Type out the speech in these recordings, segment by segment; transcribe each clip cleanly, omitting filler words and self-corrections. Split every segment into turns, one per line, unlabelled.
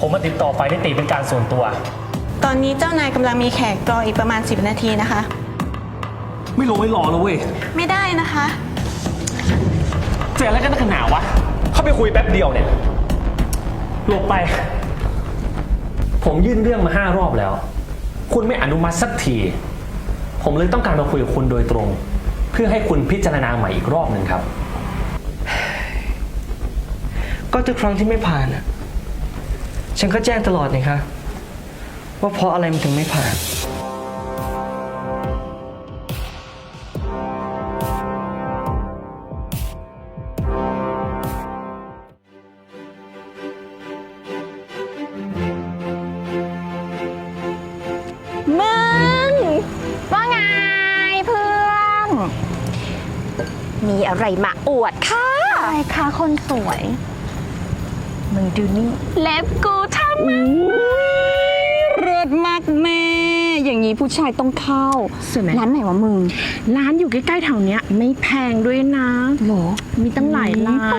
ผมมาติดต่อฝ่ายนิติเป็นการส่วนตัว
ตอนนี้เจ้านายกำลังมีแขกรออีกประมาณ10 นาทีนะคะ
ไม่รอแล้วเว้ย
ไม่ได้นะคะ
เจ๊อะไรกันนักหนาวะเข้าไปคุยแป๊บเดียวเนี่ยหลบไปผมยื่นเรื่องมา5 รอบแล้วคุณไม่อนุมัติสักทีผมเลยต้องการมาคุยกับคุณโดยตรงเพื่อให้คุณพิจารณาใหม่อีกรอบหนึ่งครับ
ก็ทุกครั้งที่ไม่ผ่านฉันก็แจ้งตลอดนี่คะว่าเพราะอะไรมันถึงไม่ผ่าน
มึงว่าไงเพื่อนมีอะไรมาอวดค่ะอะไรคะคนสวยมึงดูนี่เล็บกูทำมา
เลิศมากแม่อย่างนี้ผู้ชายต้องเข้าร้านไหนวะมึงร้านอยู่ใกล้ๆแถวเนี้ยไม่แพงด้วยนะหรอมีตั้งหลายลาย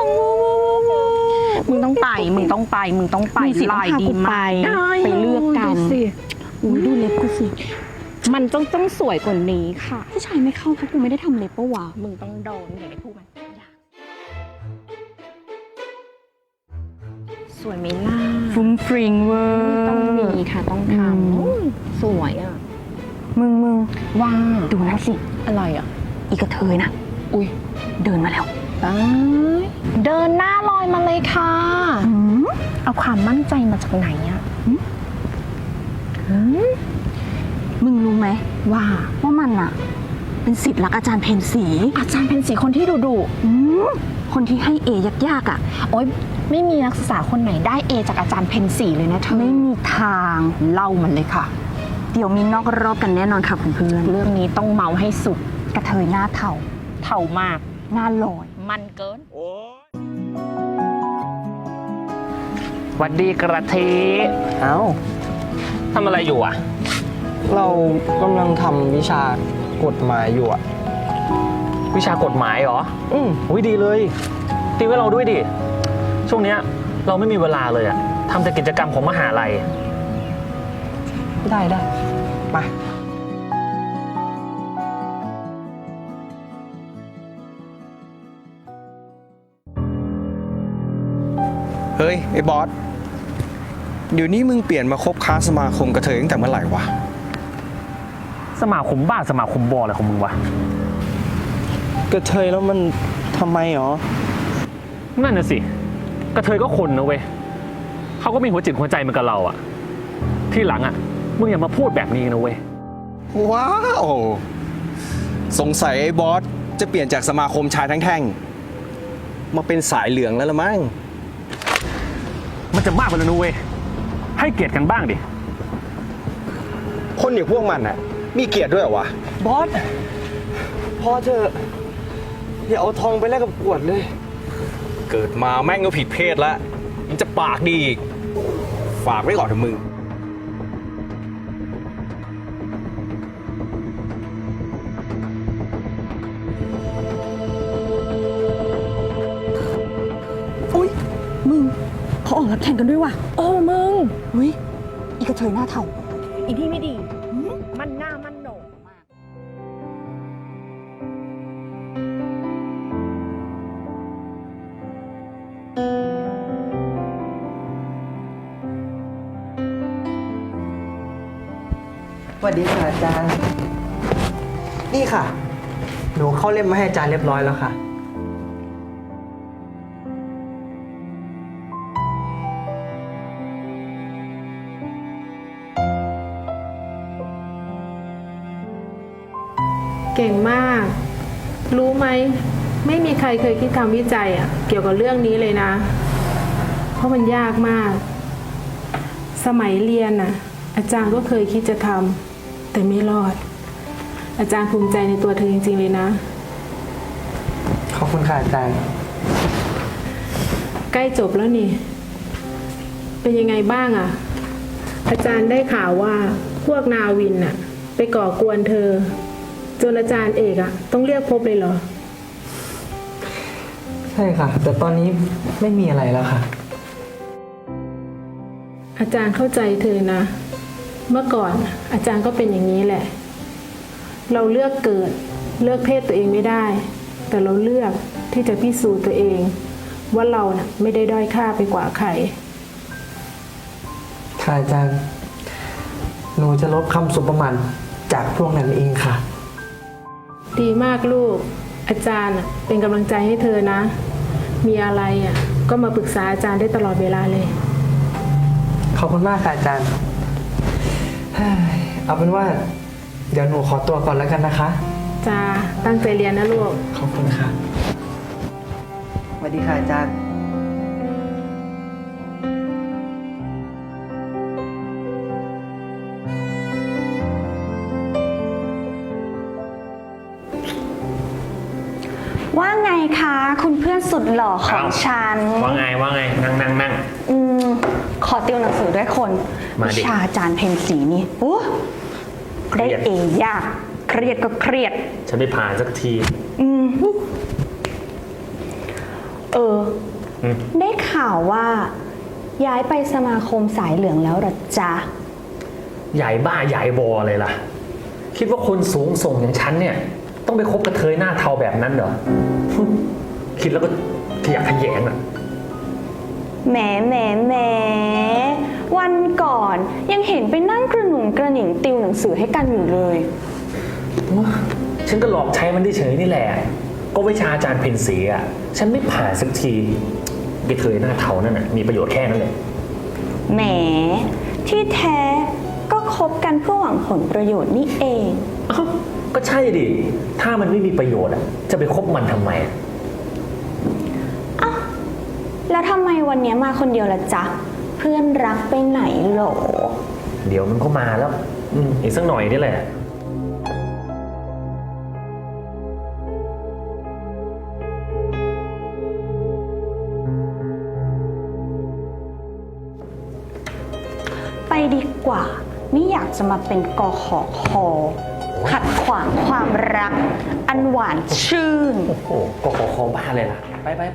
มึงต้องไปลายดีมากไปเลือกกันอุ้ยดูเล็บกูสิมันต้องสวยกว่านี้ค่ะผู้ชายไม่เข้าเพราะกูไม่ได้ทำเล็บปะวะมึงต้องโดนอย่าไปพูดมันสวยไหมล่ะฟุ้งฟริงเวอร์ต้องมีค่ะต้องทำสวยอ่ะมึงว่าดูนะสิอะไรอ่ะอีกระเทยนะอุ้ยเดินมาแล้วเดินหน้าลอยมาเลยค่ะเอาความมั่นใจมาจากไหนอ่ะมึงรู้ไหมว่ามันอ่ะเป็นศิษย์รักอาจารย์เพ็ญศรีคนที่ดุคนที่ให้ยากๆอ่ะโอ๊ยไม่มีนักศึกษาคนไหนได้เอจากอาจารย์เพ็ญศรีเลยนะเธอไม่มีทางเล่ามันเลยค่ะเดี๋ยวมีนอกรอบกันแน่นอนค่ะเพื่อนเรื่องนี้ต้องเมาให้สุดกระเทยหน้าเทามากหน้าลอยมันเกิน
หวัดดีกระเท
เอ้า
ทำอะไรอยู่อ่ะ
เรากำลังทำวิชากฎหมายอยู่อะ
วิชากฎหมายเหรออุ้ยดีเลยติวให้เราด้วยดิช่วงเนี้ยเราไม่มีเวลาเลยอะทำแต่กิจกรรมของมหาลัย
ได้มา
เฮ้ยไอ้บอสเดี๋ยวนี้มึงเปลี่ยนมาคบค้าสมาคมกระเทยตั้งแต่เมื่อไหร่วะ
สมาคมบ้าสมาคมบออะไรของมึงวะ
กระเทยแล้วมันทำไมหรอ
นั่นน่ะสิกระเทยก็คนนะเว้ยเขาก็มีหัวจิตหัวใจเหมือนกับเราอะที่หลังอะมึงอย่ามาพูดแบบนี้นะเว้ย
ว้าวสงสัยไอ้บอสจะเปลี่ยนจากสมาคมชายทั้งแท่งมาเป็นสายเหลืองแล้วละมั้ง
มันจะมากไปแล้วนะเว้ยให้เกียรติกันบ้างดิ
คนอย่างพวกมันอะมีเกียรติด้วยเหรอวะ
บอสพอเถอะอย่าเอาทองไปแลกกับขวดเลย
เกิดมาแม่งก็ผิดเพศแล้วยังจะปากดีอีกฝากไว้ก่อนเถอะมึง
อุ้ยมึงเขาออกรับแข่งกันด้วยว่ะโอ้มึงอุ้ยอีกระเทยหน้าเทาอีที่ไม่ดีมันหน้ามันโหนกมาก
สวัสดีค่ะอาจารย์นี่ค่ะหนูเข้าเล่มมาให้อาจารย์เรียบร้อยแล้วค่ะ
เก่งมาก รู้ไหมไม่มีใครเคยคิดทำวิจัยเกี่ยวกับเรื่องนี้เลยนะเพราะมันยากมากสมัยเรียนอาจารย์ก็เคยคิดจะทำแต่ไม่รอดอาจารย์ภูมิใจในตัวเธอจริงๆเลยนะ
ขอบคุณค่ะอาจารย์
ใกล้จบแล้วนี่เป็นยังไงบ้างอาจารย์ได้ข่าวว่าพวกนาวินไปก่อกวนเธอจนอาจารย์เอกต้องเรียกพบเลยเหรอ
ใช่ค่ะแต่ตอนนี้ไม่มีอะไรแล้วค่ะ
อาจารย์เข้าใจเธอนะ เมื่อก่อนอาจารย์ก็เป็นอย่างนี้แหละ เราเลือกเกิดเลือกเพศตัวเองไม่ได้ แต่เราเลือกที่จะพิสูจน์ตัวเอง ว่าเราน่ะไม่ได้ด้อยค่าไปกว่าใคร
ค่ะอาจารย์ หนูจะลบคำสบประมาทจากพวกนั้นเองค่ะ
ดีมากลูก อาจารย์น่ะเป็นกำลังใจให้เธอนะ มีอะไรอ่ะก็มาปรึกษาอาจารย์ได้ตลอดเวลาเลย
ขอบคุณมากค่ะอาจารย์เฮ้ยเอาเป็นว่า เดี๋ยวหนูขอตัวก่อนแล้วกันนะคะ
จ้าตั้งใจเรียนนะลูก
ขอบคุณค่ะสวัสดีค่ะอาจารย์
ว่าไงคะคุณเพื่อนสุดหล่อของฉัน
ว่าไงนั่ง
ขอติวหนังสือด้วยคน
มาดิ
วิชาอาจารย์เพ็ญศรีนี่โอ้ได้เอยากเครียดก็เครียด
ฉันไม่ผ่านสักที
ได้ข่าวว่า ย้ายไปสมาคมสายเหลืองแล้วเหรอจ๊ะ
ใหญ่บ้าใหญ่บอเลยล่ะ คิดว่าคนสูงส่งอย่างฉันเนี่ย ต้องไปคบกระเทยหน้าเทาแบบนั้นเหรอ คิดแล้วก็ขยะแขยงอ่ะ
แหมวันก่อนยังเห็นไปนั่งกระหนุงกระหนิงติวหนังสือให้กันอยู่เลย
ฉันก็หลอกใช้มันเฉยๆนี่แหละ ก็วิชาอาจารย์เพ็ญศรีอ่ะ ฉันไม่ผ่านสักทีกระเทยหน้าเทานั่นน่ะมีประโยชน์แค่นั้นเลย
แหมที่แท้ก็คบกันเพื่อหวังผลประโยชน์นี่เอง
อ้าวก็ใช่ดิ ถ้ามันไม่มีประโยชน์อ่ะ จะไปคบมันทำไม
อ้าวแล้วทำไมวันนี้มาคนเดียวล่ะจ๊ะ เพื่อนรักไปไหนหรอ
เดี๋ยวมันก็มาแล้ว อีกสักหน่อยนี่แหละ
ไปดีกว่า ไม่อยากจะมาเป็นกขอคอขัดขวางความรัก อันหวานชื่น
โอ้โหก็ขอคอบ้าเลยล่ะ ไป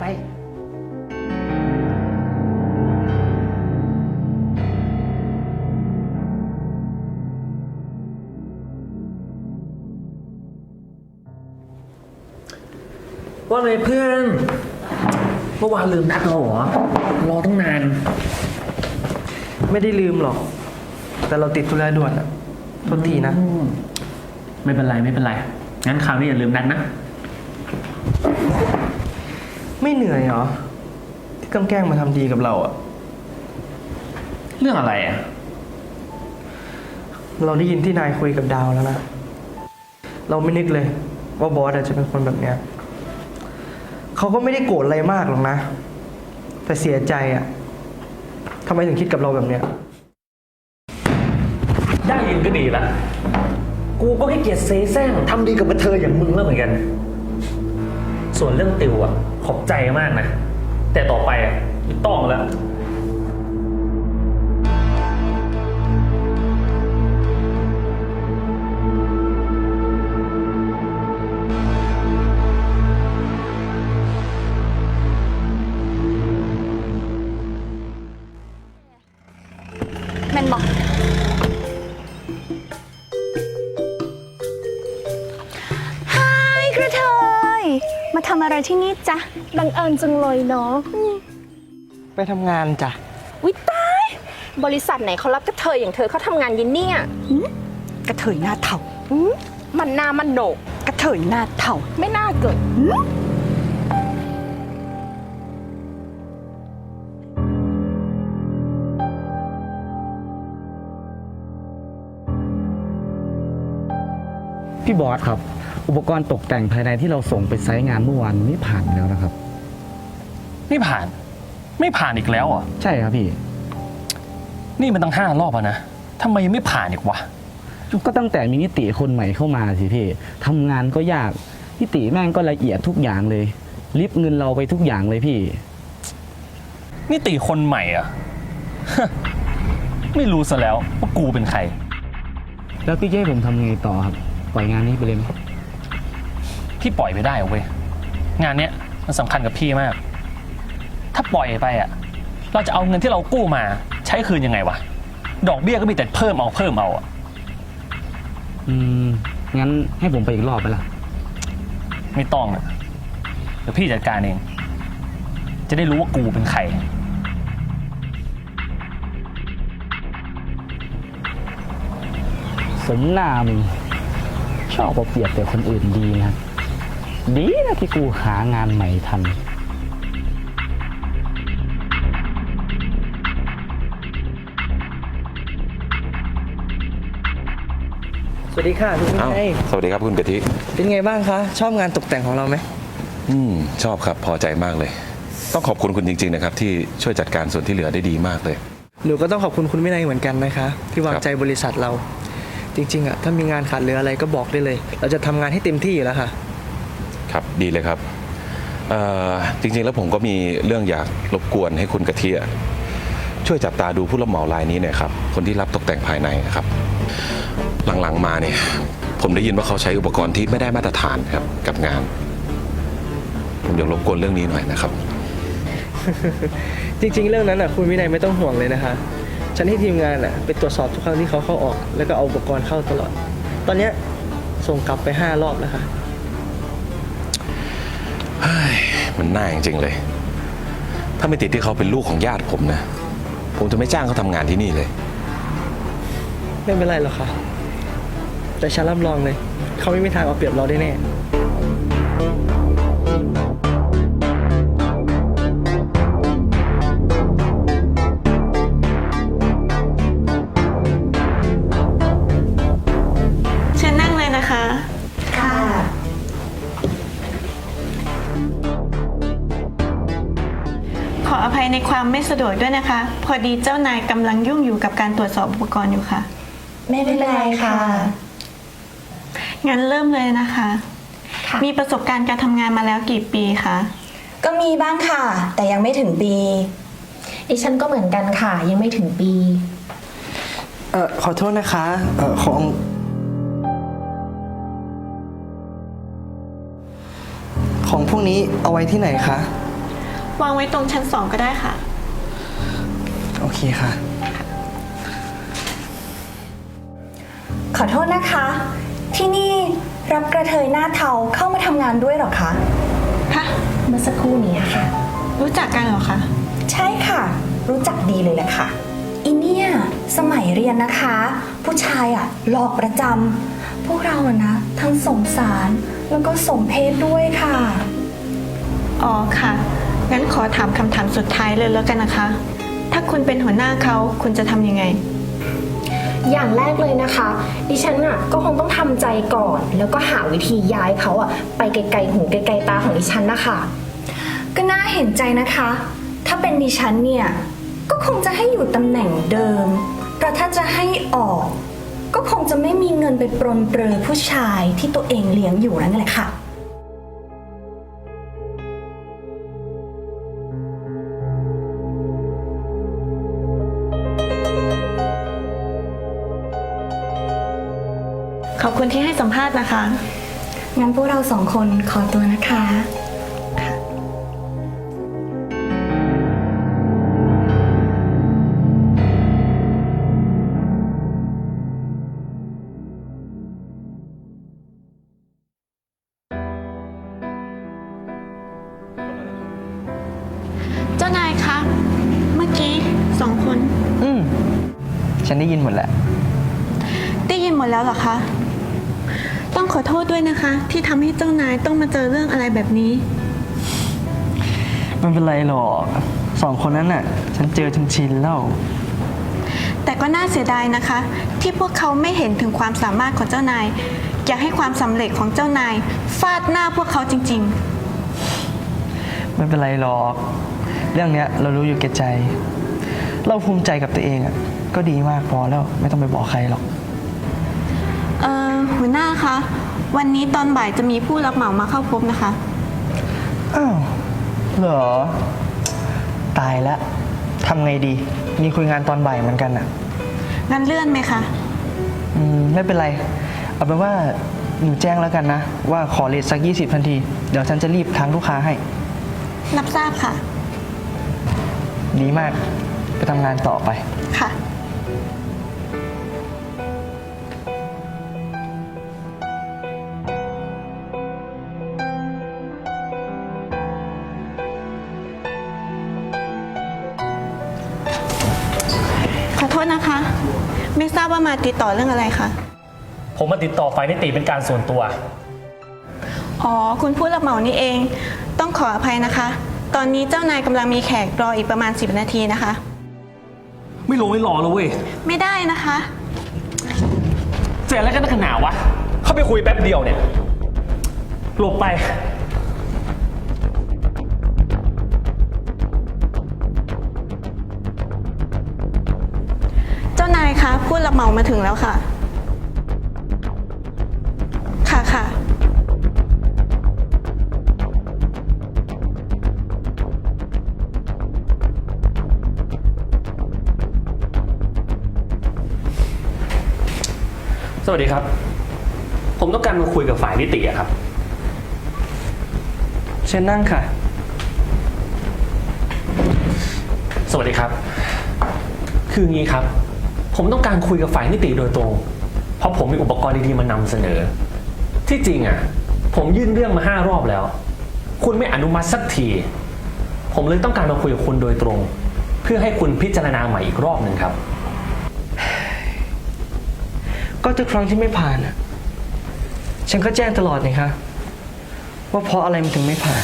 ว่าไงเพื่อน เมื่อวานลืมนัดเราเหรอ รอตั้งนาน
ไม่ได้ลืมหรอก แต่เราติดธุระด่วนอะโทษทีนะ
ไม่เป็นไร งั้นคราวนี้อย่าลืมนัดนะ
ไม่เหนื่อยเหรอ ที่กำแกล้งมาทำดีกับเราอะ
เรื่องอะไรอ่ะ
เราได้ยินที่นายคุยกับดาวแล้วนะ เราไม่นึกเลย ว่าบอสอาจจะเป็นคนแบบเนี้ยเขาก็ไม่ได้โกรธอะไรมากหรอกนะ แต่เสียใจอะทำไมถึงคิดกับเราแบบเนี้ย
ได้ยินก็ดีละ กูก็ให้เกียรติเซแซงทำดีกับกระเทยอย่างมึงแล้วเหมือนกัน ส่วนเรื่องติวอ่ะ ขอบใจมากนะ แต่ต่อไปอ่ะไม่ต้องแล้ว
แมนบอกฮายกระเทย มาทำอะไรที่นี่จ๊ะ
บังเอิญจังเลยเนาะ
ไปทำงานจ้ะ
วิตาย บริษัทไหนเขารับกระเทยอย่างเธอเขาทำงานยินเนี่ย
กระเทยหน้าเถ่า
มันหน้ามันโหนก
กระเทยหน้าเถ่า
ไม่น่าเกิด
พี่บอสครับ อุปกรณ์ตกแต่งภายในที่เราส่งไปไซต์งานเมื่อวานไม่ผ่านแล้วนะครับ
ไม่ผ่านอีกแล้วอ่ะ
ใช่ครับพี่
นี่มันตั้ง5 รอบแล้วนะทำไมยังไม่ผ่านอีกวะ
ก็ตั้งแต่มีนิติคนใหม่เข้ามาสิพี่ทำงานก็ยากนิติแม่งก็ละเอียดทุกอย่างเลยริบเงินเราไปทุกอย่างเลยพี่
นี่ตีคนใหม่อ่ะ ไม่รู้ซะแล้วว่ากูเป็นใคร
แล้วพี่จะให้ผมทำไงต่อครับปล่อยงานนี้ไปเลยไหม
พี่ปล่อยไม่ได้เว้ย งานเนี้ยมันสำคัญกับพี่มาก ถ้าปล่อยไปอ่ะ เราจะเอาเงินที่เรากู้มาใช้คืนยังไงวะ ดอกเบี้ยก็มีแต่เพิ่มเอาอะ
งั้นให้ผมไปอีกรอบไปละ
ไม่ต้องอะเดี๋ยวพี่จัดการเอง จะได้รู้ว่ากูเป็นใคร
สมหน้ามึงชอบเอาเปรียบแต่คนอื่นดีนะดีนะที่กูหางานใหม่ทัน
สวัสดีค่ะคุณวิ
อ้าว
นัย
สวัสดีครับคุณกะทิ
เป็นไงบ้างคะ ชอบงานตกแต่งของเราไหม
ชอบครับพอใจมากเลย ต้องขอบคุณคุณจริงๆนะครับที่ช่วยจัดการส่วนที่เหลือได้ดีมากเลย
หนูก็ต้องขอบคุณคุณวินัยเหมือนกันนะคะ ที่วางใจบริษัทเรา จริงๆอะถ้ามีงานขาดเหลืออะไรก็บอกได้เลย เราจะทำงานให้เต็มที่อยู่แล้วค่ะ
ครับดีเลยครับจริงๆแล้วผมก็มีเรื่องอยากรบกวนให้คุณกะทิช่วยจับตาดูผู้รับเหมารายนี้หน่อยครับคนที่รับตกแต่งภายในนะครับ หลังๆมาเนี่ยผมได้ยินว่าเขาใช้อุปกรณ์ที่ไม่ได้มาตรฐานครับกับงาน ผมอยากรบกวนเรื่องนี้หน่อยนะครับ
จริงๆ เรื่องนั้นอ่ะคุณวินัยไม่ต้องห่วงเลยนะคะ ฉันให้ทีมงานอ่ะไปตรวจสอบทุกครั้งที่เขาเข้าออก แล้วก็เอาอุปกรณ์เข้าตลอด ตอนเนี้ยส่งกลับไป5 รอบแล้วค่ะ
มันน่าจริงๆเลย ถ้าไม่ติดที่เขาเป็นลูกของญาติผมนะผมจะไม่จ้างเขาทำงานที่นี่เลย
ไม่เป็นไรหรอกค่ะ แต่ฉันรับรองเลย เขาไม่มีทางเอาเปรียบเราได้แน่
เชิญนั่งเลยนะคะ
ค่ะ
ขออภัยในความไม่สะดวกด้วยนะคะ พอดีเจ้านายกำลังยุ่งอยู่กับการตรวจสอบอุปกรณ์อยู่ค่ะ
ไม่เป็นไรค่ะ
งั้นเริ่มเลยนะคะ
ค่ะ
มีประสบการณ์การทำงานมาแล้วกี่ปีคะ
ก็มีบ้างค่ะ แต่ยังไม่ถึงปีดิฉันก็เหมือนกันค่ะ ยังไม่ถึงปี
ขอโทษนะคะ ของพวกนี้เอาไว้ที่ไหนคะ
วางไว้ตรงชั้น 2 ก็ได้ค่ะ
โอเคค่ะ
ขอโทษนะคะ ที่นี่รับกระเทยหน้าเทาเข้ามาทำงานด้วยเหรอคะ
ค่ะ
เมื่อสักครู่นี้ค่ะ
รู้จักกันเหรอคะ
ใช่ค่ะ รู้จักดีเลยแหละค่ะอินเนี่ยสมัยเรียนนะคะ ผู้ชายอะหลอกประจำพวกเราอะนะ ทั้งสงสารแล้วก็สมเพศด้วยค่ะ
อ๋อค่ะ งั้นขอถามคำถามสุดท้ายเลยแล้วกันนะคะ ถ้าคุณเป็นหัวหน้าเขาคุณจะทำยังไง
อย่างแรกเลยนะคะ ดิฉันอ่ะก็คงต้องทำใจก่อน แล้วก็หาวิธีย้ายเขาอ่ะไปไกลๆหูไกลๆตาของดิฉันนะคะ
ก็น่าเห็นใจนะคะ ถ้าเป็นดิฉันเนี่ย ก็คงจะให้อยู่ตำแหน่งเดิม เพราะถ้าจะให้ออก ก็คงจะไม่มีเงินไปปรนเปรอผู้ชายที่ตัวเองเลี้ยงอยู่นั่นแหละค่ะ
ขอบคุณที่ให้สัมภาษณ์นะคะ
งั้นพวกเรา2 คนขอตัวนะคะ
เจ้านายคะ เมื่อกี้2 คน
ฉันได้ยินหมดแหละ
ได้ยินหมดแล้วเหรอคะ ต้องขอโทษด้วยนะคะ ที่ทำให้เจ้านายต้องมาเจอเรื่องอะไรแบบนี้
ไม่เป็นไรหรอก2 คนนั้นน่ะ ฉันเจอจนชินแล้ว
แต่ก็น่าเสียดายนะคะ ที่พวกเขาไม่เห็นถึงความสามารถของเจ้านาย อยากให้ความสำเร็จของเจ้านายฟาดหน้าพวกเขาจริง
ไม่เป็นไรหรอก เรื่องเนี้ยเรารู้อยู่แก่ใจ เราภูมิใจกับตัวเองอ่ะ ก็ดีมากพอแล้วไม่ต้องไปบอกใครหรอก
ๆ หัวหน้าคะ วันนี้ตอนบ่ายจะมีผู้รับเหมามาเข้าพบนะคะ
อ้าว เหรอ ตายแล้วทำไงดี มีคุยงานตอนบ่ายเหมือนกันอ่ะ
งั้นเลื่อนไหมคะ
ไม่เป็นไร เอาเป็นว่าหนูแจ้งแล้วกันนะ ว่าขอเลทสัก20 นาที เดี๋ยวฉันจะรีบทางลูกค้าให้
รับทราบค่ะ
ดีมาก ไปทำงานต่อไป
ขอโทษนะคะ ไม่ทราบว่ามาติดต่อเรื่องอะไรคะ
ผมมาติดต่อฝ่ายนิติเป็นการส่วนตัว
อ๋อ คุณผู้รับเหมานี่เอง ต้องขออภัยนะคะ ตอนนี้เจ้านายกำลังมีแขกรออีกประมาณ10 นาทีนะคะ
ไม่รอแล้วเว้ย
ไม่ได้นะคะ
เสียแล้วกันนักหนาวะ เข้าไปคุยแป๊บเดียวเนี่ย หลบไป
เจ้านายคะผู้รับเหมามาถึงแล้วค่ะ ค่ะ
สวัสดีครับ ผมต้องการมาคุยกับฝ่ายนิติอะครับ
เชิญนั่งค่ะ
สวัสดีครับ คืองี้ครับ ผมต้องการคุยกับฝ่ายนิติโดยตรง เพราะผมมีอุปกรณ์ดีๆมานำเสนอ ที่จริงอ่ะ ผมยื่นเรื่องมา5 รอบแล้ว คุณไม่อนุมัติสักที ผมเลยต้องการมาคุยกับคุณโดยตรง เพื่อให้คุณพิจารณาใหม่อีกรอบหนึ่งครับ
ก็ทุกครั้งที่ไม่ผ่านอะฉันก็แจ้งตลอดนี่คะว่าเพราะอะไรมันถึงไม่ผ่าน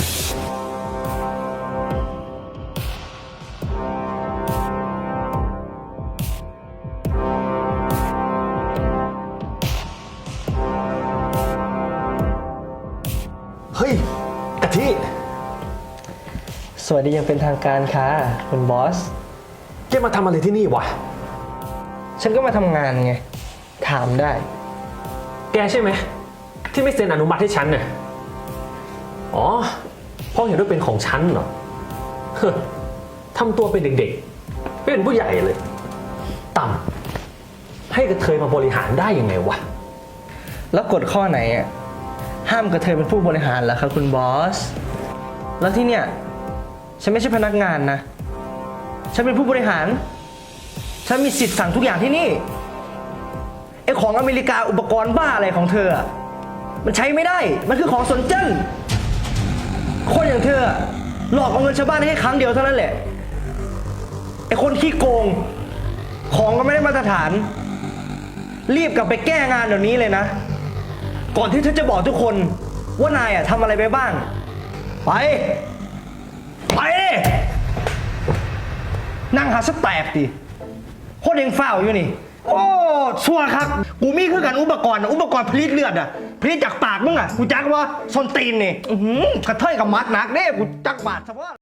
เฮ้ยกะทิ
สวัสดียังเป็นทางการค่ะคุณบอส
แกมาทำอะไรที่นี่วะ
ฉันก็มาทำงานไง ถามได้
แกใช่ไหม ที่ไม่เซ็นอนุมัติให้ฉันเนี่ยอ๋อเพราะเห็นว่าเป็นของฉันเหรอ ทำตัวเป็นเด็กๆไม่เป็นผู้ใหญ่เลย ต่ำให้กระเทยมาบริหารได้ยังไงวะ
แล้วกฎข้อไหนอ่ะห้ามกระเทยเป็นผู้บริหารเหรอครับคุณบอส แล้วที่เนี่ยฉันไม่ใช่พนักงานนะ ฉันเป็นผู้บริหาร ฉันมีสิทธิ์สั่งทุกอย่างที่นี่ไอ้ของอเมริกาอุปกรณ์บ้าอะไรของเธออะมันใช้ไม่ได้ มันคือของสนเจิ้นคนอย่างเธอหลอกเอาเงินชาวบ้านได้แค่ครั้งเดียวเท่านั้นแหละไอ้คนขี้โกง ของก็ไม่ได้มาตรฐาน รีบกลับไปแก้งานเดี๋ยวนี้เลยนะ ก่อนที่เธอจะบอกทุกคนว่านายอะทำอะไรไปบ้าง ไปดินั่งหาสแตกดิโคตรเองฝ้าวอยู่นี่ โอ้ชัวร์ครับ กูมีคือกันอุปกรณ์ผลิตเลือดอะผลิตจากปากมึงอะกูจักว่าส้นตีนนี่กระเทยกับมัดหนักเด้กูจักบาดเฉพาะ